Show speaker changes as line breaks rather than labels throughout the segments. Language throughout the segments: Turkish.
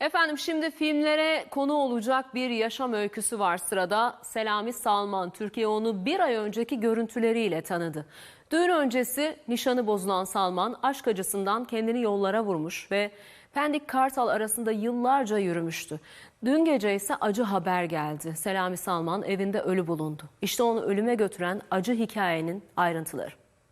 Efendim şimdi filmlere konu olacak bir yaşam öyküsü var sırada. Selami Salman, Türkiye onu bir ay önceki görüntüleriyle tanıdı. Düğün öncesi nişanı bozulan Salman aşk acısından kendini yollara vurmuş ve Pendik Kartal arasında yıllarca yürümüştü. Dün gece ise acı haber geldi. Selami Salman evinde ölü bulundu. İşte onu ölüme götüren acı hikayenin ayrıntıları.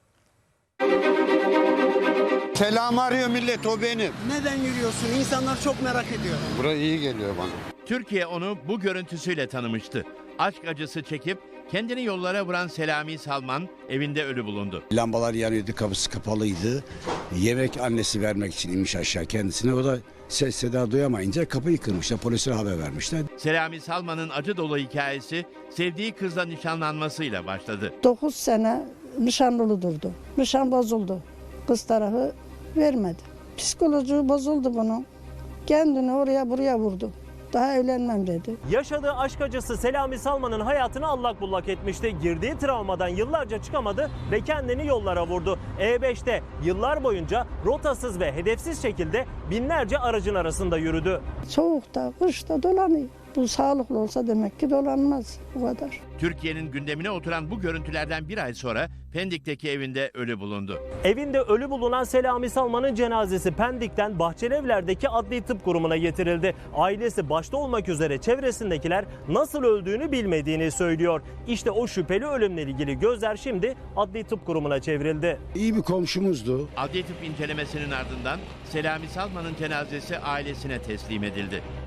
Selam arıyor millet, o benim.
Neden yürüyorsun? İnsanlar çok merak ediyor.
Burası iyi geliyor bana.
Türkiye onu bu görüntüsüyle tanımıştı. Aşk acısı çekip kendini yollara vuran Selami Salman evinde ölü bulundu.
Lambalar yanıyordu, kapısı kapalıydı. Yemek annesi vermek için inmiş aşağı kendisine. O da ses seda duyamayınca kapıyı kırmışlar. Polise haber vermişler.
Selami Salman'ın acı dolu hikayesi sevdiği kızla nişanlanmasıyla başladı.
9 sene nişanlı durdu. Nişan bozuldu. Kız tarafı vermedi. Psikoloji bozuldu bunun. Kendini oraya buraya vurdu. Daha evlenmem dedi.
Yaşadığı aşk acısı Selami Salman'ın hayatını allak bullak etmişti. Girdiği travmadan yıllarca çıkamadı ve kendini yollara vurdu. E5'te yıllar boyunca rotasız ve hedefsiz şekilde binlerce aracın arasında yürüdü.
Soğukta, kışta dolanıyor. Bu sağlıklı olsa demek ki dolanmaz bu kadar.
Türkiye'nin gündemine oturan bu görüntülerden bir ay sonra Pendik'teki evinde ölü bulundu.
Evinde ölü bulunan Selami Salman'ın cenazesi Pendik'ten Bahçelievler'deki Adli Tıp Kurumu'na getirildi. Ailesi başta olmak üzere çevresindekiler nasıl öldüğünü bilmediğini söylüyor. İşte o şüpheli ölümle ilgili gözler şimdi Adli Tıp Kurumu'na çevrildi.
İyi bir komşumuzdu.
Adli tıp incelemesinin ardından Selami Salman'ın cenazesi ailesine teslim edildi.